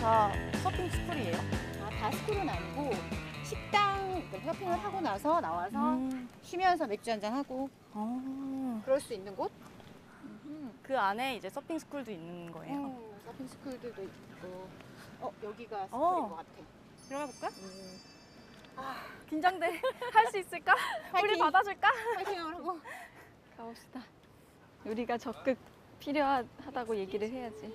다 서핑 스쿨이에요? 아, 다 스쿨은 아니고 식당 서핑을 하고 나서 나와서 쉬면서 맥주 한잔 하고 그럴 수 있는 곳? 그 안에 이제 서핑 스쿨도 있는 거예요? 서핑 스쿨들도 있고. 여기가 스쿨인 것 같아. 들어가 볼까? 아, 긴장돼. 할 수 있을까? 우리 파이팅! 받아줄까? 파이팅을 하고. 가봅시다. 우리가 적극 필요하다고 얘기를 해야지.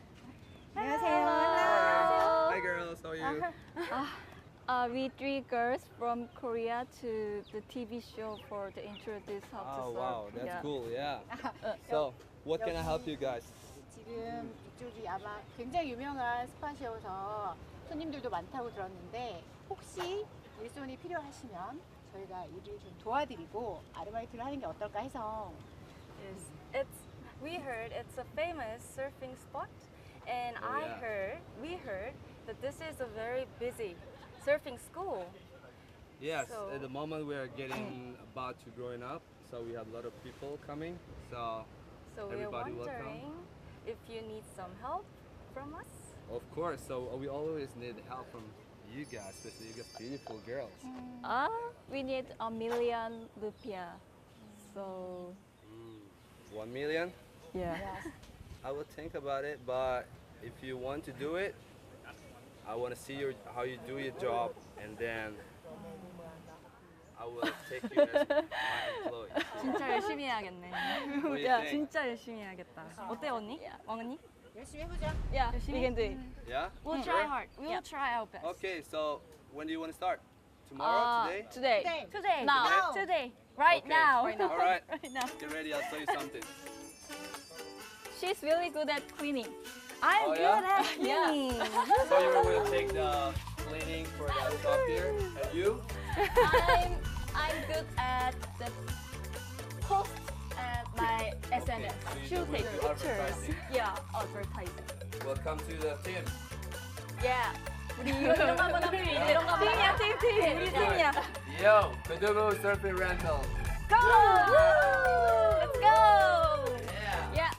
안녕하세요. Hi girls, how are you? We three girls from Korea to the TV show for the introduce how to Oh surf. wow, that's Yeah. cool, yeah. So, what can I help you guys? 지금 이쪽이 아마 굉장히 유명한 스팟이어서 손님들도 많다고 들었는데 혹시 일손이 필요하시면 저희가 일을 좀 도와드리고 아르바이트를 하는 게 어떨까 해서. Yes, we heard it's a famous surfing spot, and Oh, yeah. we heard that this is a very busy surfing school. Yes, So- at the moment we are getting about to growing up, so we have a lot of people coming. So, So we're Everybody wondering if you need some help from us. of course, so we always need help from you guys, especially you guys beautiful girls. We need 1,000,000 rupiah. So 1 million? yeah. I will think about it, but if you want to do it, I want to see how you do your job, and then I will take you as my employee. 진짜 열심히 해야겠네. What do you 야, think? 진짜 열심히 해야겠다. 어때 언니? 왕 언니? 열심히 해보자. Yeah, we can do it. Yeah? We'll try hard. We'll try our best. Okay, so when do you want to start? Tomorrow? Today? Today. 네. Today. Now. Today. Right Okay. now. All right. Right now. Get ready, I'll show you something. She's really good at cleaning. I'm Oh, good yeah? at cleaning. So you will take the cleaning for the stuff here, and you? I'm good at the post at my SNS. So you She'll will take do pictures. advertising. Yeah, advertising. Welcome to the team. Yeah. 우리 이런 거 한번 합시다. 이런 거 한번 팀이야, 팀. 우리 팀이야. Yo, Kodomo Surfing Rental. Go! Let's go! Yeah. Yeah.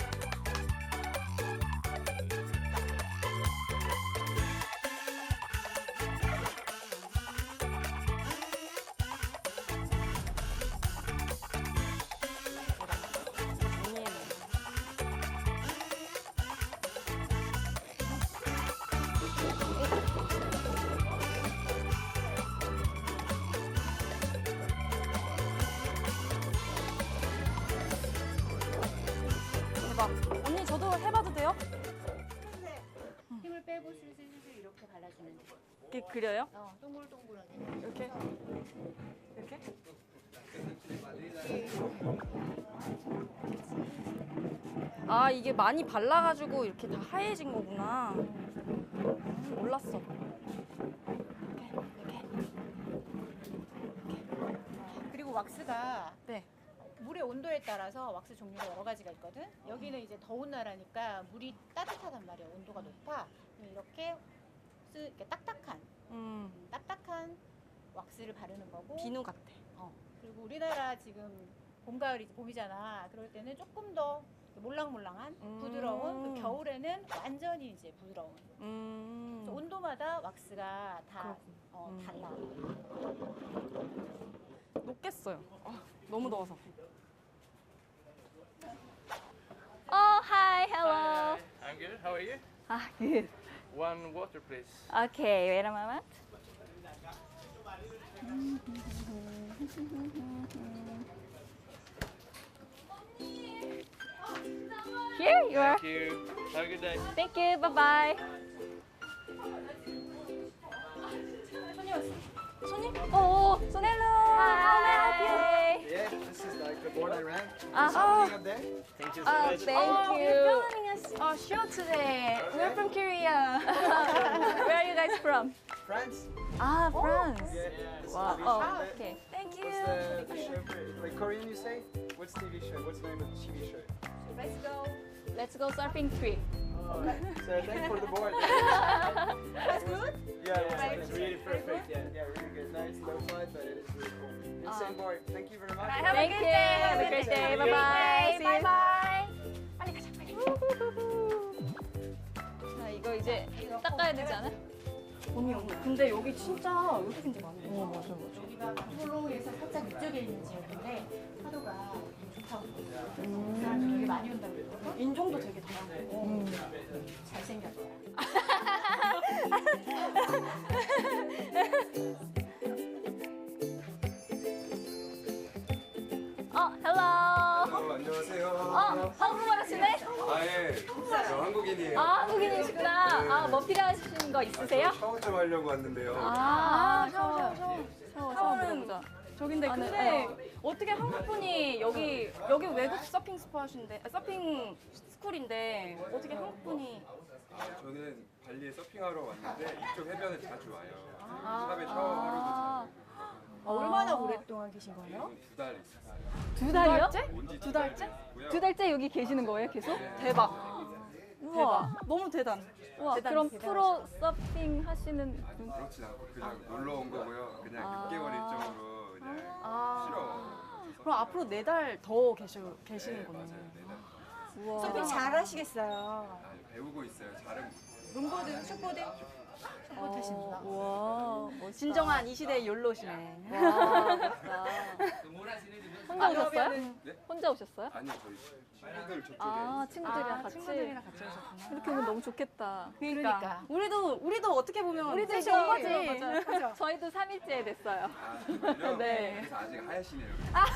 대박. 언니 저도 해봐도 돼요? 힘을 빼고 슬슬 이렇게 발라주면 돼. 이렇게 그려요? 동글동글하게. 이렇게? 이렇게? 아 이게 많이 발라가지고 이렇게 다 하얘진 거구나. 몰랐어. 그리고 왁스가 네. 물의 온도에 따라서 왁스 종류가 여러 가지가 있거든. 여기는 이제 더운 나라니까 물이 따뜻하단 말이야. 온도가 높아. 이렇게 이렇게 딱딱한 왁스를 바르는 거고. 비누 같아. 그리고 우리나라 지금 봄, 가을이 봄이잖아. 그럴 때는 조금 더 몰랑몰랑한 부드러운. 그 겨울에는 완전히 이제 부드러운. 그래서 온도마다 왁스가 다 달라. 녹겠어요. 너무 더워서. Oh, hi, hello. I'm good. How are you? Ah, good. One water, please. Okay, wait a moment. Here you are. Thank you. Have a good day. Thank you. Bye bye. 손님? Oh, so hi. Yeah, this is like the board I ran. Oh, Up there. Thank you so oh, much. thank you. We're filming a show today. We're from Korea. Where are you guys from? France. Ah, France. Yeah. This is Wow. TV Oh, show. okay. Thank you. What's the show? Like Korean, you say? What's TV show? What's the name of the TV show? Let's go. Let's go surfing trip. So thank you for the board. That's good. Yeah, it's really perfect. Yeah, really good. Nice low flood, but it is really cool. Insane board. Thank you very much. Have a Thank good you. day. Have a great day. Bye bye. See you. Bye bye. 빨리 가자, 빨리. 자, 이거 이제 이제 닦아야 되지 않아? 언니, 근데 여기 진짜 외국인들 많네. 맞아. 여기가 부풀로에서 살짝 이쪽에 있는 지역인데 파도가 좋다고 사람들이 되게 많이 온다고 그러거든. 인종도 되게 다양하고. 잘생겼어요. 헬로. 안녕하세요. 한국말 하시네? 예. 저 한국인이에요. 한국인이시구나. 뭐 필요하신 거 있으세요? 샤워 좀 하려고 왔는데요. 샤워 들어보자. 저긴데 네. 근데 어떻게 한국분이 여기 외국 서핑 스팟인데 서핑 스쿨인데 어떻게 한국분이 저는 발리에 서핑하러 왔는데 이쪽 해변에 자주 와요. 샵에 샤워하러도 자주. 얼마나 오랫동안 계신 거예요? 2달 있어요. 두 달이요? 온지 두 달째? 두 달째 여기 계시는 거예요, 계속? 대박. 우와. 너무 대단. 우와. 그럼 프로 서핑 하시는 분? 그렇진 않고 그냥 놀러 온 거고요. 그냥 아. 6개월 일정으로 그냥 쉬러. 그럼 앞으로 4달 더 계시는 거네. 맞아요. 네달. 우와. 서핑 잘 하시겠어요. 배우고 있어요. 잘은 롱보드, 숏보드? 숏보드 하십니다. 우와. 멋있다. 진정한 이 시대의 욜로시네. 와, 멋있다. 혼자 오셨어요? 네? 혼자 오셨어요? 아니요. 저희 친구들 저쪽에 친구들이랑 같이. 친구들이랑 같이 오셨구나. 이렇게 오면 너무 좋겠다. 그러니까. 우리도 어떻게 보면 우리도 셋이 이거 온 거지. 맞아. 저희도 3일째 됐어요. 아, 정말요? 네. 그래서 아직 하얗시네요.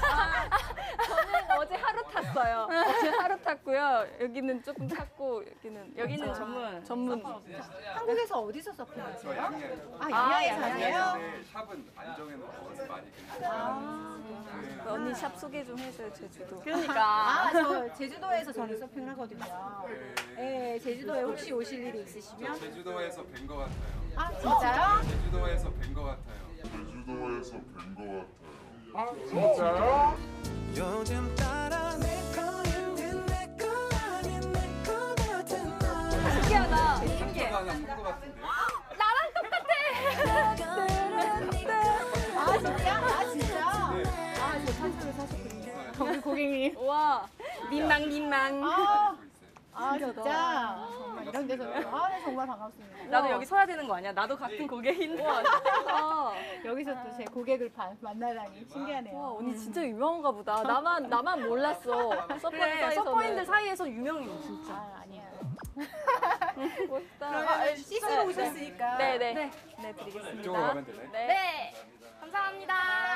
저는 어제 하루 탔어요. 어제 하루 탔고요. 여기는 조금 탔고 여기는 여기는 전문. 한국에서 어디서 저 서핑하세요? 양양. 양양에서 하세요? 근데 샵은 안 정해놓고 많이 그냥. 언니 샵 소개 좀 해줘요, 제주도. 그러니까. 저 제주도에서 저는 서핑을 하거든요. 네, 제주도에 혹시 오실 일이 있으시면? 제주도에서 뵌 것 같아요. 아, 진짜요? 제주도에서 뵌 것 같아요. 요즘 따라 내 거인데 내 거 아닌 내 거 같은 너 신기하다. 신기해. 하나 산것 같은데요? 아, 진짜? 아, 진짜? 아, 저 산소를 사셨군요. 우리 고객님. 와. 민망. 아, 진짜? 정말 이런 데서. 아, 네, 정말 반갑습니다. 나도 여기 서야 되는 거 아니야? 나도 같은 고객인데. 여기서 또 제 고객을 만나다니 신기하네요. 와, 언니 진짜 유명한가 보다. 나만 몰랐어. 서퍼 그래, 사이에서는. 서퍼인들 사이에서 유명해 진짜. 아, 아니야. 멋있다. 그러면 씻으러 오셨으니까. 네네. 네. 네, 드리겠습니다. 이쪽으로 가면 되나요? 네. 네. 감사합니다.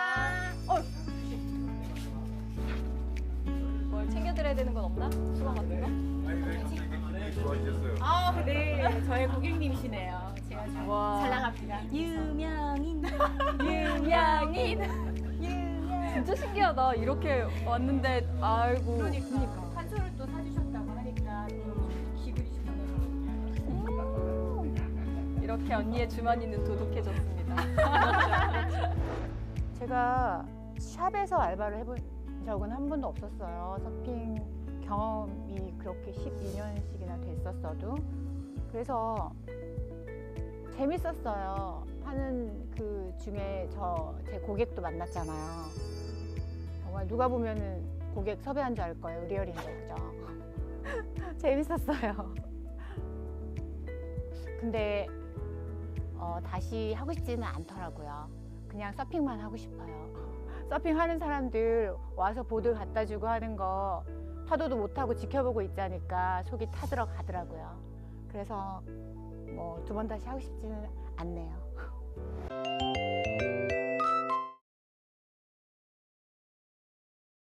뭘 챙겨드려야 되는 건 없나? 수건 같은 거? 아니 왜 갑자기 기분이 좋아지셨어요? 아, 네. 저의 고객님이시네요. 제가 잘 와. 나갑니다. 유명인. 진짜 신기하다. 이렇게 왔는데 아이고. 그러니까. 한솔을 또 사주셨다고 하니까 또 기분이 좋네요. 이렇게 언니의 주머니는 도둑해졌습니다. 제가 샵에서 알바를 해본 적은 한 번도 없었어요. 서핑 경험이 그렇게 12년씩이나 됐었어도. 그래서 재밌었어요. 하는 그 중에 제 고객도 만났잖아요. 정말 누가 보면은 고객 섭외한 줄 알 거예요. 리얼인데, 그죠? 재밌었어요. 근데 다시 하고 싶지는 않더라고요. 그냥 서핑만 하고 싶어요. 서핑하는 사람들 와서 보드 갖다 주고 하는 거 파도도 못 타고 지켜보고 있자니까 속이 타들어 가더라고요. 그래서 뭐 2번 다시 하고 싶지는 않네요.